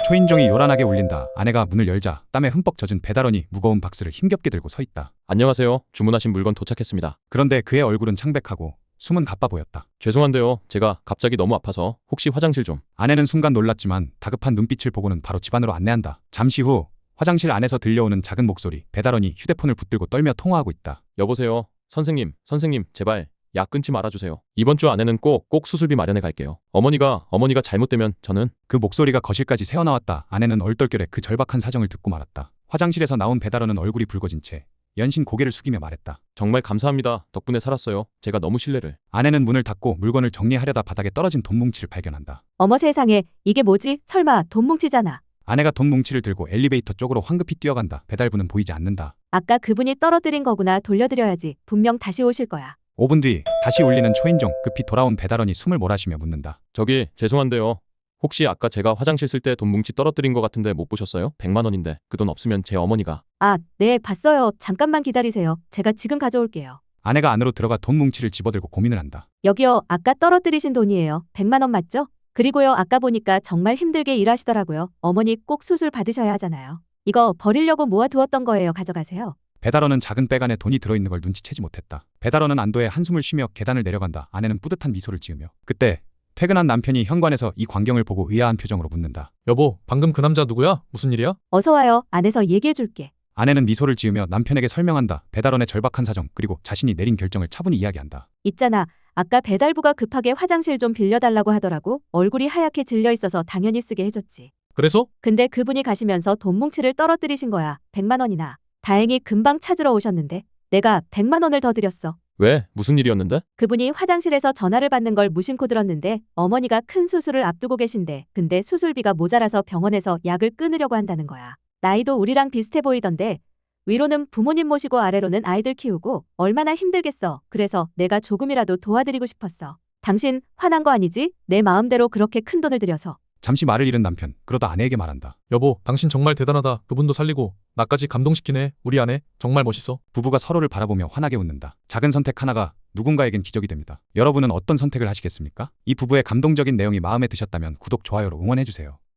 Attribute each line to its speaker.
Speaker 1: 초인종이 요란하게 울린다. 아내가 문을 열자 땀에 흠뻑 젖은 배달원이 무거운 박스를 힘겹게 들고 서 있다.
Speaker 2: 안녕하세요. 주문하신 물건 도착했습니다.
Speaker 1: 그런데 그의 얼굴은 창백하고 숨은 가빠 보였다.
Speaker 2: 죄송한데요. 제가 갑자기 너무 아파서 혹시 화장실 좀.
Speaker 1: 아내는 순간 놀랐지만 다급한 눈빛을 보고는 바로 집 안으로 안내한다. 잠시 후 화장실 안에서 들려오는 작은 목소리. 배달원이 휴대폰을 붙들고 떨며 통화하고 있다.
Speaker 2: 여보세요. 선생님, 제발 약 끊지 말아주세요. 이번 주 안에는 꼭 수술비 마련해 갈게요. 어머니가 잘못되면 저는.
Speaker 1: 그 목소리가 거실까지 새어나왔다. 아내는 얼떨결에 그 절박한 사정을 듣고 말았다. 화장실에서 나온 배달원은 얼굴이 붉어진 채 연신 고개를 숙이며 말했다.
Speaker 2: 정말 감사합니다. 덕분에 살았어요. 제가 너무 신뢰를.
Speaker 1: 아내는 문을 닫고 물건을 정리하려다 바닥에 떨어진 돈 뭉치를 발견한다.
Speaker 3: 어머 세상에, 이게 뭐지? 설마 돈 뭉치잖아.
Speaker 1: 아내가 돈 뭉치를 들고 엘리베이터 쪽으로 황급히 뛰어간다. 배달부는 보이지 않는다.
Speaker 3: 아까 그분이 떨어뜨린 거구나. 돌려드려야지. 분명 다시 오실 거야.
Speaker 1: 5분 뒤 다시 울리는 초인종. 급히 돌아온 배달원이 숨을 몰아쉬며 묻는다.
Speaker 2: 저기 죄송한데요. 혹시 아까 제가 화장실 쓸 때 돈 뭉치 떨어뜨린 것 같은데 못 보셨어요? 100만 원인데 그 돈 없으면 제 어머니가.
Speaker 3: 아, 네, 봤어요. 잠깐만 기다리세요. 제가 지금 가져올게요.
Speaker 1: 아내가 안으로 들어가 돈 뭉치를 집어들고 고민을 한다.
Speaker 3: 여기요. 아까 떨어뜨리신 돈이에요. 100만 원 맞죠? 그리고요. 아까 보니까 정말 힘들게 일하시더라고요. 어머니 꼭 수술 받으셔야 하잖아요. 이거 버리려고 모아두었던 거예요. 가져가세요.
Speaker 1: 배달원은 작은 백 안에 돈이 들어있는 걸 눈치채지 못했다. 배달원은 안도에 한숨을 쉬며 계단을 내려간다. 아내는 뿌듯한 미소를 지으며. 그때 퇴근한 남편이 현관에서 이 광경을 보고 의아한 표정으로 묻는다.
Speaker 4: 여보, 방금 그 남자 누구야? 무슨 일이야?
Speaker 3: 어서 와요. 안에서 얘기해 줄게.
Speaker 1: 아내는 미소를 지으며 남편에게 설명한다. 배달원의 절박한 사정 그리고 자신이 내린 결정을 차분히 이야기한다.
Speaker 3: 있잖아. 아까 배달부가 급하게 화장실 좀 빌려달라고 하더라고. 얼굴이 하얗게 질려 있어서 당연히 쓰게 해줬지.
Speaker 4: 그래서?
Speaker 3: 근데 그분이 가시면서 돈 뭉치를 떨어뜨리신 거야. 100만 원이나. 다행히 금방 찾으러 오셨는데 내가 100만 원을 더 드렸어.
Speaker 2: 왜? 무슨 일이었는데?
Speaker 3: 그분이 화장실에서 전화를 받는 걸 무심코 들었는데 어머니가 큰 수술을 앞두고 계신데 근데 수술비가 모자라서 병원에서 약을 끊으려고 한다는 거야. 나이도 우리랑 비슷해 보이던데 위로는 부모님 모시고 아래로는 아이들 키우고 얼마나 힘들겠어. 그래서 내가 조금이라도 도와드리고 싶었어. 당신 화난 거 아니지? 내 마음대로 그렇게 큰 돈을 들여서.
Speaker 1: 잠시 말을 잃은 남편. 그러다 아내에게 말한다.
Speaker 4: 여보, 당신 정말 대단하다. 그분도 살리고 나까지 감동시키네. 우리 아내 정말 멋있어.
Speaker 1: 부부가 서로를 바라보며 환하게 웃는다. 작은 선택 하나가 누군가에겐 기적이 됩니다. 여러분은 어떤 선택을 하시겠습니까? 이 부부의 감동적인 내용이 마음에 드셨다면 구독, 좋아요로 응원해주세요.